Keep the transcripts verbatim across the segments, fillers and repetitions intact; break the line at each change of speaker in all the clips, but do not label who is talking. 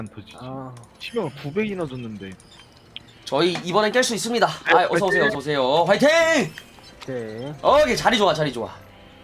터지지.
아,
치명을 두 배이나 줬는데.
저희 이번엔 깰 수 있습니다. 아, 어서 오세요, 어서 오세요. 화이팅!
네.
오케이, 자리 좋아, 자리 좋아.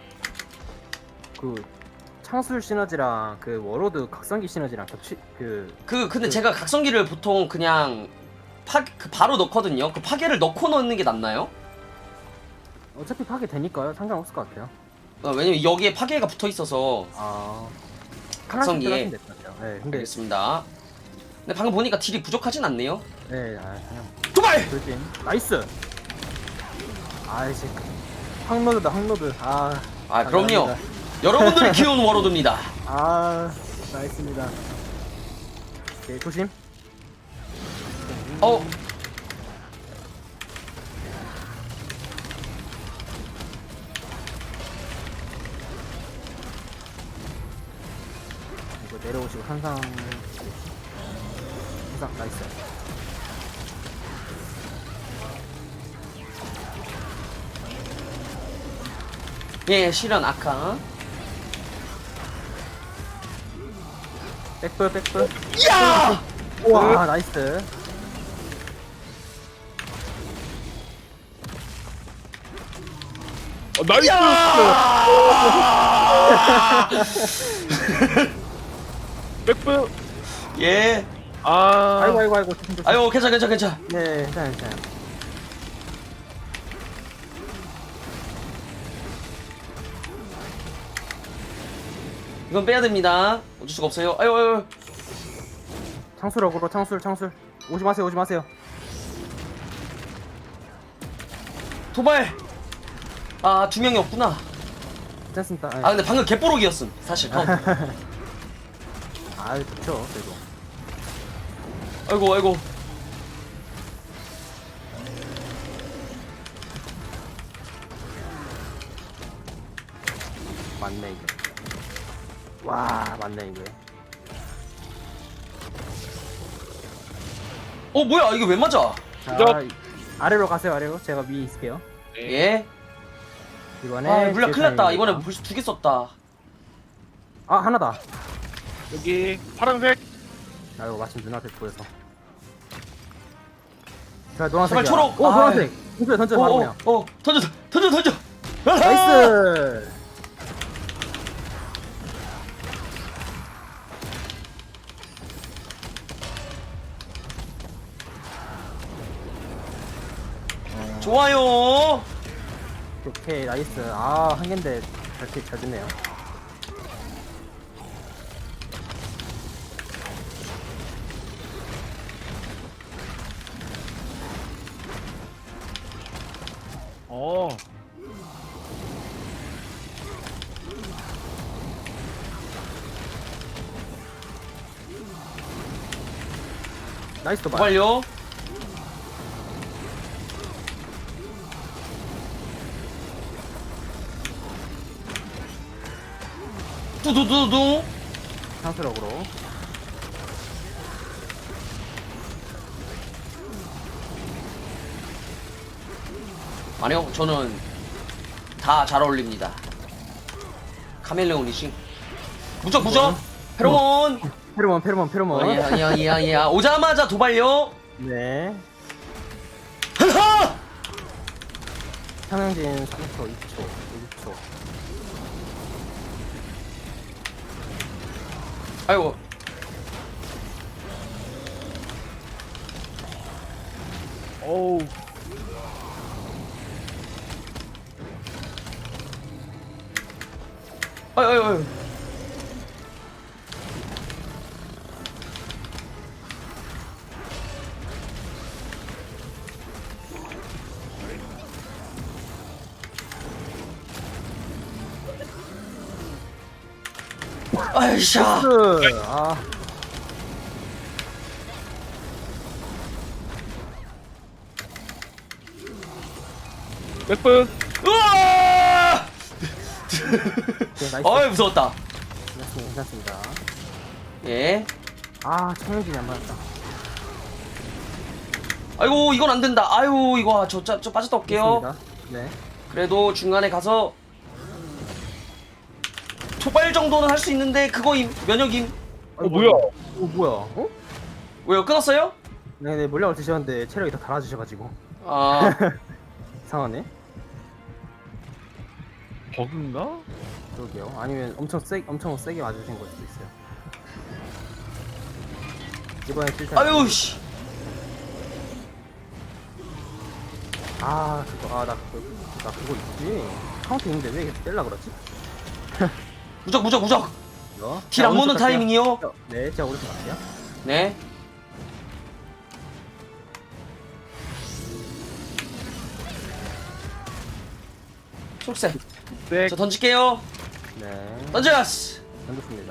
그 창술 시너지랑 그 워로드 각성기 시너지랑 겹치 그
그 근데
그-
제가 각성기를 보통 그냥 파, 그 바로 넣거든요. 그 파괴를 넣고 넣는 게 낫나요?
어차피 파괴 되니까요. 상관없을 것 같아요.
어, 왜냐면 여기에 파괴가 붙어 있어서.
아,
각성기에.
하나씩 들어가시면 될것 같아요. 네, 근데
알겠습니다. 근데 방금 보니까 딜이 부족하진 않네요.
네, 아, 그냥
도발!
돌진. 나이스. 아이씨, 항로드다 항로드. 아,
아, 그럼요.
감사합니다.
여러분들이 키운 워로드입니다.
아, 나이스입니다. 오케이, 조심.
어,
이거 내려오시고 항상 항상 나이스.
예, 실현 아카.
백불 백불.
야!
우와, 나이스.
어, 나이스! 백프!
예.
아.
아이고 아이고 아이고 조심 조심.
아유, 괜찮아, 괜찮아, 괜찮아.
네, 괜찮아요, 괜찮아요.
이건 빼야 됩니다. 어쩔 수가 없어요. 아유, 아유.
창술역으로 창술 창술. 오지 마세요, 오지 마세요.
도발. 아, 두 명이 없구나.
괜찮습니다.
아, 근데 방금 개뽀록이었음. 사실. 카운트.
아, 좋죠, 그래도.
아이고, 아이고.
맞네 이게. 와, 맞네 이게.
어, 뭐야? 이게 왜 맞아?
자,
저-
이- 아래로 가세요, 아래로. 제가 위에 있을게요.
예.
이번에.
아, 물량
뒤에
큰일 났다.
타임입니다.
이번에 벌써 두 개 썼다.
아, 하나다.
여기 파란색.
아이고, 마침 눈앞에 보여서. 자, 노란색.
제발 초록.
오,
아,
노란색. 던져, 던져,
어,
바로
어,
그냥.
어, 던져, 던져, 던져. 아하!
나이스.
좋아요.
오케이, 나이스. 아, 한 개인데 잘, 잘 됐네요.
어.
나이스 도발.
도발요. 두두두두.
창술역으로.
아니요, 저는 다 잘 어울립니다. 카멜레온이시. 무적, 무적. 페로몬.
페로몬, 페로몬, 페로몬.
어, 예, 예, 예, 예. 오자마자 도발요.
네.
하하!
삼형진 삼 초, 이 초, 일 초.
아이고.
어우.
아유, 아유, 아유. 아이샤.
나이스. 아,
백프.
우와!
오케이, 나이스.
어이, 무서웠다.
괜찮습니다, 괜찮습니다.
예.
아, 청형진이 안 맞았다.
아이고, 이건 안 된다. 아유, 이거 저, 저, 저 빠졌다 올게요.
됐습니다. 네.
그래도 중간에 가서 초발 정도는 할 수 있는데 그거임 면역임.
어 뭐야?
어 뭐야? 어?
왜요? 끊었어요?
네네 물량을 드셨는데 체력이 다 달아주셔가지고
아
이상하네.
버그인가?
그러게요. 아니면 엄청 세 엄청 세게 맞으신 걸 수도 있어요. 이번에 실탄.
아유 씨.
아 그거 아나 그거 나 그거 있지. 카운트 있는데 왜 계속 뗄라 그러지?
무적 무적 무적.
이거.
딜 안 모는 타이밍이요.
네, 제가 오른쪽 갈게요.
네. 초록색.
네.
저 던질게요.
네.
던져스.
던졌습니다.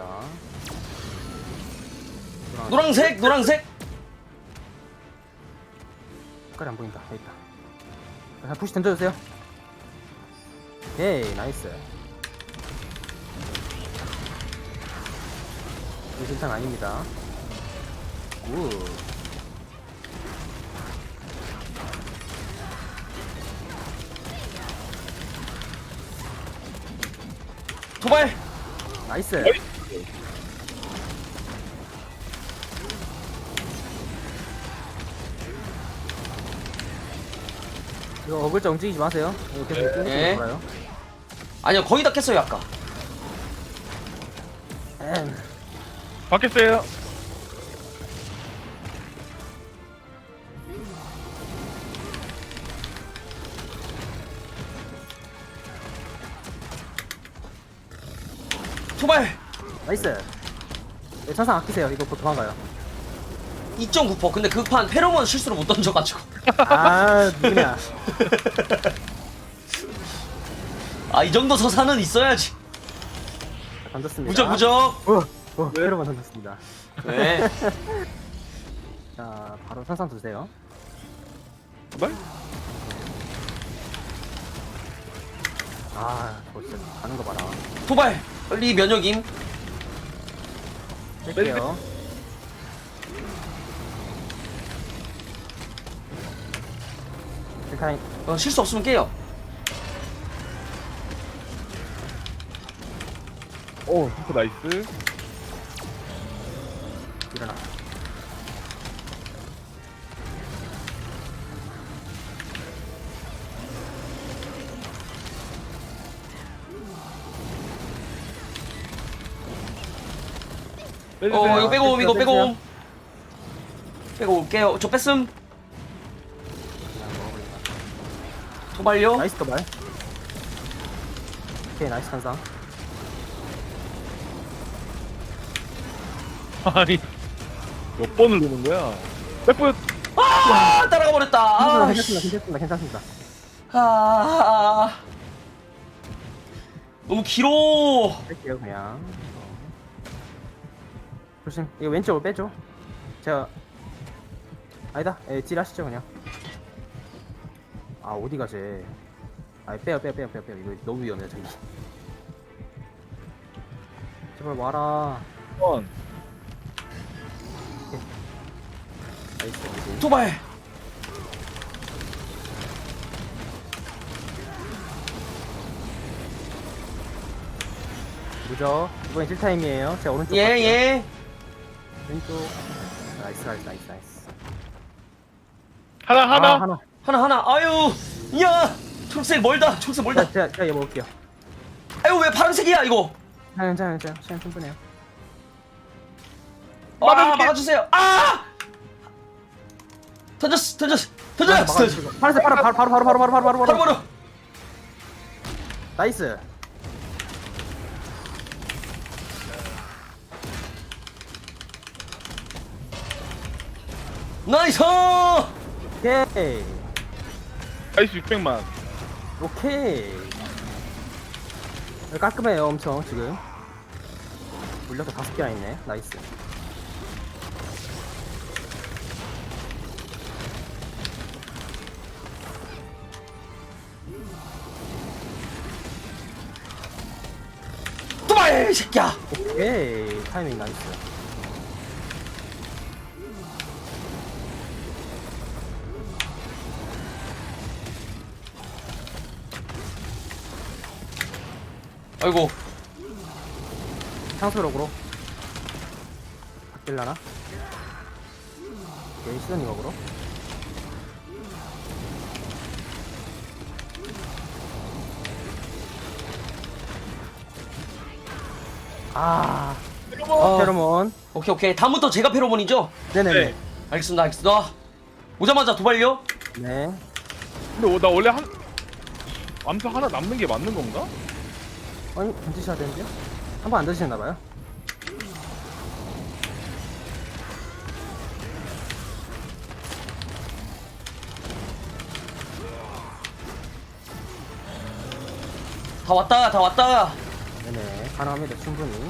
노란색 노란색.
색깔이 안 보인다. 여기 있다. 자, 푸시 던져주세요. 오케이, 나이스. 이거 실탄 아닙니다. 굿.
도발.
나이스. 이거 어글자 움직이지 마세요. 이거 계속 쭉
네.
돌아요.
아니요 거의 다 깼어요 아까.
엠.
받겠어요.
도발.
나이스. 네, 천상 아끼세요. 이거 곧 도망가요.
이 점 구 퍼센트. 근데 그 판 페로몬 실수로 못 던져가지고.
아, 누구냐.
아 이 정도 서사는 있어야지.
자, 던졌습니다.
무적 무적.
어, 어, 페로만 던졌습니다.
네.
자, 바로 천상 두세요.
도발?
아, 저 진짜 가는 거 봐라.
도발. 빨리 면역임.
뺄게요. 일단
어, 실수 없으면 깨요.
오, 슈퍼 나이스.
일어나.
빼주세요.
어 이거 빼고 옴 이거 빼고
빼주세요.
옴. 빼고 올게요. 저 뺐음.
그냥 먹어버린다.
도발요.
나이스 도발. 오케이, 나이스 천상.
아니 몇 번을 누는 거야? 백포
아 따라가 버렸다. 아,
괜찮습니다, 괜찮습니다, 괜찮습니다.
아, 너무 길어.
뺄게요, 그냥. 조심, 이거 왼쪽으로 빼죠. 제가 아니다, 예, 딜 하시죠 그냥. 아 어디 가지? 아 빼요, 빼요, 빼요, 빼요, 빼요. 이거 너무 위험해요 저기. 제발 와라.
번.
나이스, 나이스.
도발.
무적. 이번엔 딜 타임이에요. 제가 오른쪽
예
갈게요.
예.
왼쪽. 나이스, 나이스, 나이스, 나이스.
하나 하나.
아, 하나.
하나 하나. 아유, 야, 초록색 멀다. 초록색 멀다.
자, 제가, 제가 얘 먹을게요.
아유 왜 파란색이야 이거?
괜찮아요, 괜찮아요. 시간 충분해요.
아
막아줄게.
막아주세요. 아! 던졌어 던졌어 던졌어. 던졌어.
파란색 바로, 바로, 바로, 바로, 바로, 바로, 바로, 바로,
바로 바로.
나이스.
나이스.
오케이.
나이스 육백만.
오케이. 깔끔해요, 엄청 지금. 물려서 다섯 개나 있네. 나이스.
도발 이 새끼야.
오케이. 타이밍 나이스.
아이고.
상수력으로. 딜라나? 오케이, 시선이 먹으러. 아,
어,
페로몬.
오케이 오케이. 다음부터 제가 페로몬이죠?
네네네.
네.
알겠습니다 알겠습니다. 오자마자 도발요?
네.
근데 어, 나 원래 한 암수 하나 남는 게 맞는 건가?
아니, 던지셔야 되는데요? 한 번 안 던지셨나봐요.
다 왔다 다 왔다.
네네. 가능합니다, 충분히.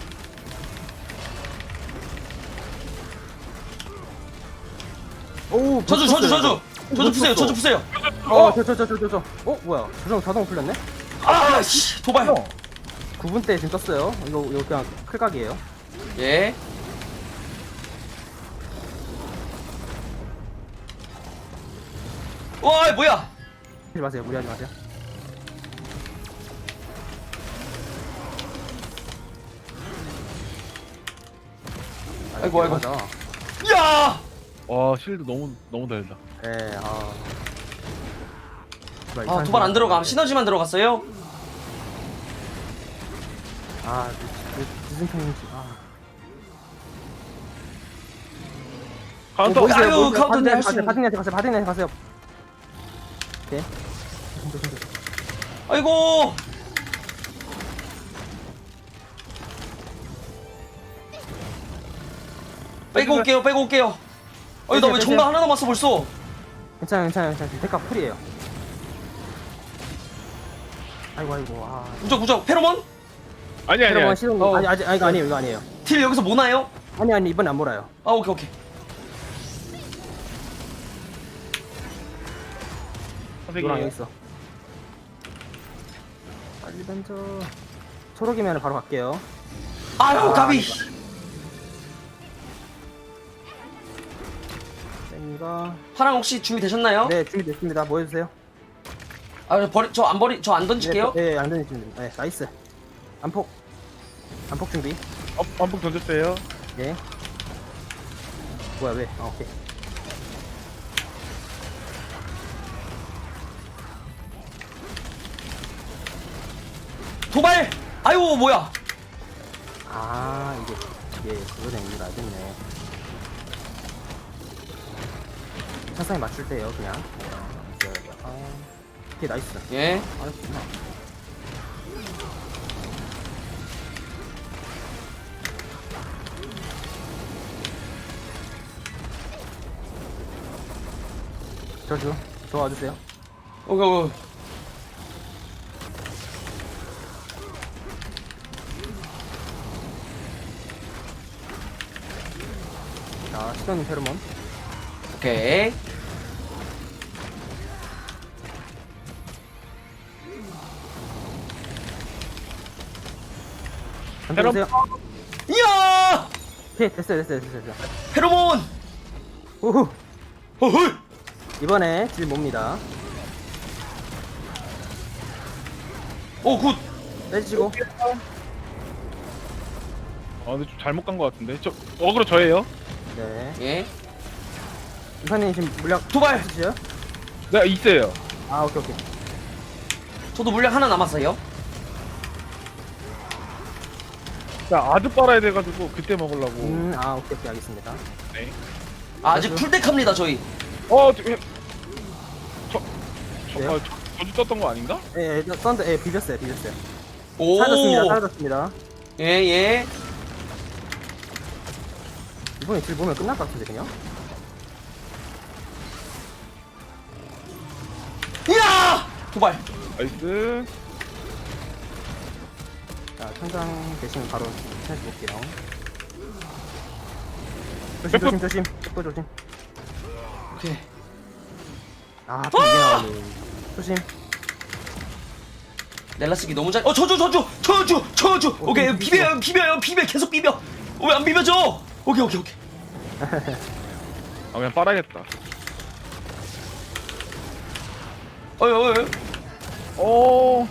오,
저주 저주 저주 저주 푸세요 저주 푸세요.
어, 저, 저, 저, 저, 저, 저. 어, 뭐야? 조정 자동 풀렸네?
아씨 도발.
구 분 때 지금 떴어요. 이거, 이거 그냥 클각이에요.
예. 와 뭐야?
하지 마세요. 무리하지 마세요.
아이고, 아이고.
맞아.
야!
와 실드 너무 너무 달다.
네, 아.
아 도발 안 들어가. 시너지만 들어갔어요.
아, 무슨 편인지. 아.
카운터.
뭐 있어요?
아유,
뭐 있어요?
카운터 내 할수
바둑
있는-
바둑한테 가세요. 바둑한테 가세요. 오케이.
아이고. 빼고 올게요. 빼고 올게요. 아니 나 왜
빼세요,
정강 하나 남았어 벌써?
괜찮아요, 괜찮아요, 괜찮아요. 지금 데카 풀이에요. 아이고, 아이고, 아.
무적 무적 페로몬?
아니 아니
여러분
아니.
시동
어.
아니 아직 아니 이거 아니에요, 이거 아니에요.
딜 여기서 뭐 나요?
아니 아니 이번에 안 몰아요.
아 오케이 오케이.
노랑 여기
선생님.
있어. 빨리 던져. 초록이면 바로 갈게요.
아유
아,
가비.
쌤이가
파랑 혹시 준비 되셨나요?
네 준비됐습니다. 뭐 해주세요?
아 버리 저 안 버리 저 안 던질게요.
네, 네, 안 던지시면 네, 나이스. 안폭. 안폭 준비.
어, 반복 던졌어요.
네. 뭐야 왜? 아 오케이.
도발. 아유 뭐야?
아 이게 이게 그거네 이거 알겠네. 차상에 맞출 때요 그냥. 네, 아, 오케이 나이스.
예.
알았구나. 저주 도와주세요.
오케이 오케이.
자 시간이 페로몬.
오케이.
던져보세요.
이야!
오케이 됐어요 됐어요 됐어요 됐어요.
페로몬.
우후.
어헐.
이번에 질 몹니다.
오 굿.
빼주시고.
아 근데 좀 잘못 간 것 같은데. 저 어그로 저예요.
네.
예.
이사님 지금 물약
도발.
있으시죠?
네 있어요.
아 오케이 오케이.
저도 물량 하나 남았어요.
자 아드 빨아야 돼가지고 그때 먹으려고.
음아 오케이 오케이 알겠습니다.
네.
아, 아직 풀덱합니다 저희.
어 저, 저, 저,
왜요?
아, 저, 저주 떴던 거 아닌가?
예, 예, 썬더, 예, 비볐어요, 비볐어요.
오.
사라졌습니다, 사라졌습니다.
예 예.
이번에 질 보면 끝날 것 같은데, 그냥?
이야! 도발.
나이스.
자, 천장 대신 바로 해볼게요. 조심,
백프.
조심, 조심. 백프 조심.
오케이.
아, 또 이게 나오네. 조심.
넬라 쓰기 너무 잘. 어 저주 저주 저주 저주. 오케이 비벼요 비벼요 비벼 계속 비벼. 왜 안 비벼져? 오케이 오케이 오케이.
아 그냥 빨아야겠다.
어이 어이. 어이.
어.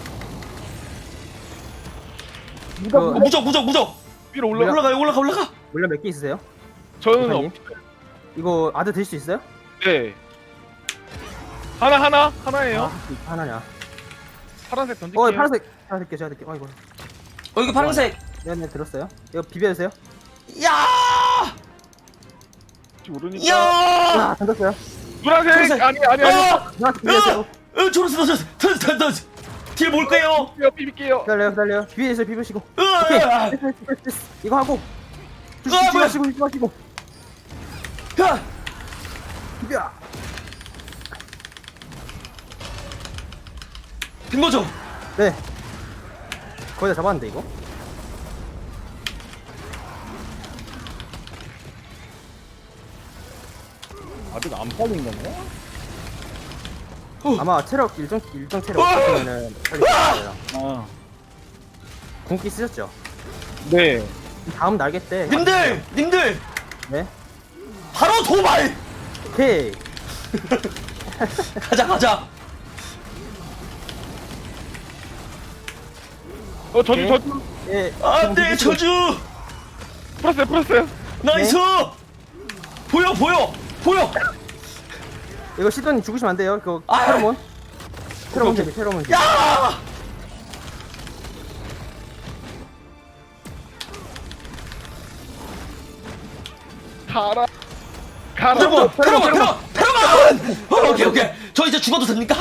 그,
어, 무적 무적 무적.
위로 올라.
올라-
올라가요 올라가 올라가.
물량 몇 개 있으세요?
저는
대표님?
없.
이거 아드 들 수 있어요?
네. 하나 하나 하나예요.
아, 하나냐?
파란색 던질게요.
어, 파란색. 제가 드릴게요, 제가 드릴게요. 아이고.
어 이거 파란색.
네, 네, 들었어요. 이거 비벼주세요.
야!
혹시 모르니까.
야!
아, 던졌어요.
노란색
파란색.
아니 아니 아니.
아!
누나한테 비벼주세요.
어, 초록색 던져, 던져, 던져, 던져. 딜 뭘까요?
비빌게요 비빌게요.
기다려요, 기다려요. 비벼주세요, 비벼시고.
으아!
오케이. 됐어, 됐어, 됐어, 됐어. 이거 하고.
아,
조심
뭐야.
마시고, 조심 마시고.
야!
비벼.
된 거죠?
네. 거의 다 잡았는데, 이거.
아직 안 빠진 건가?
아마 체력 일정 일정 체력
어!
없으면은 빨리 잡아요.
아.
궁기 쓰셨죠?
네.
다음 날개 때.
님들, 님들,
네.
바로 도발.
오케이.
가자, 가자.
어 저주
네.
저주.
예.
안돼, 저주.
풀었어요 풀었어요.
나이스. 보여, 보여, 보여.
이거 시도님 죽으시면 안 돼요. 이거
아!
페로몬. 페로몬
오케이.
재미, 페로몬 재미.
야!
가라. 가라.
페로몬, 페로몬,
페로몬,
페로몬, 페로몬. 어, 오케이, 오케이. 저 이제 죽어도 됩니까?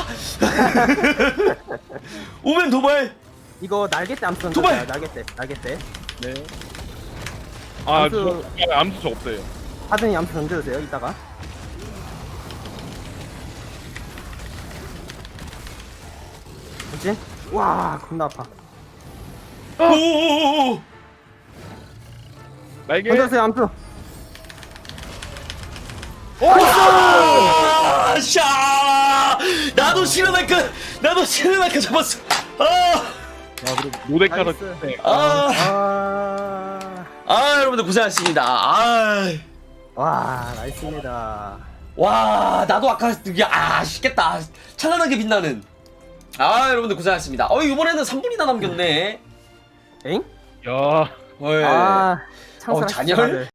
오면 도발.
이거 날개 때 암수
도발!
던져요. 날개 때, 날개 때.
네. 아,
암수-
저, 아, 암수 저 없어요.
하든이 암수 던져주세요. 이따가. 뭐지? 와, 겁나 아파.
오오오오.
날개.
던져주세요, 암수.
아, 샤! 나도 실현할까? 나도 실현할까 잡았어. 아,
아, 그리고 모데카도
나이스.
네.
아,
아,
아, 여러분들 고생하셨습니다. 아,
와, 나이스입니다.
와, 나도 아까 이게 아, 쉽겠다. 찬란하게 빛나는. 아, 여러분들 고생하셨습니다. 어, 이번에는 삼 분이나 남겼네.
엥?
야.
어,
아,
어,
창설하시죠,
잔열?
다들.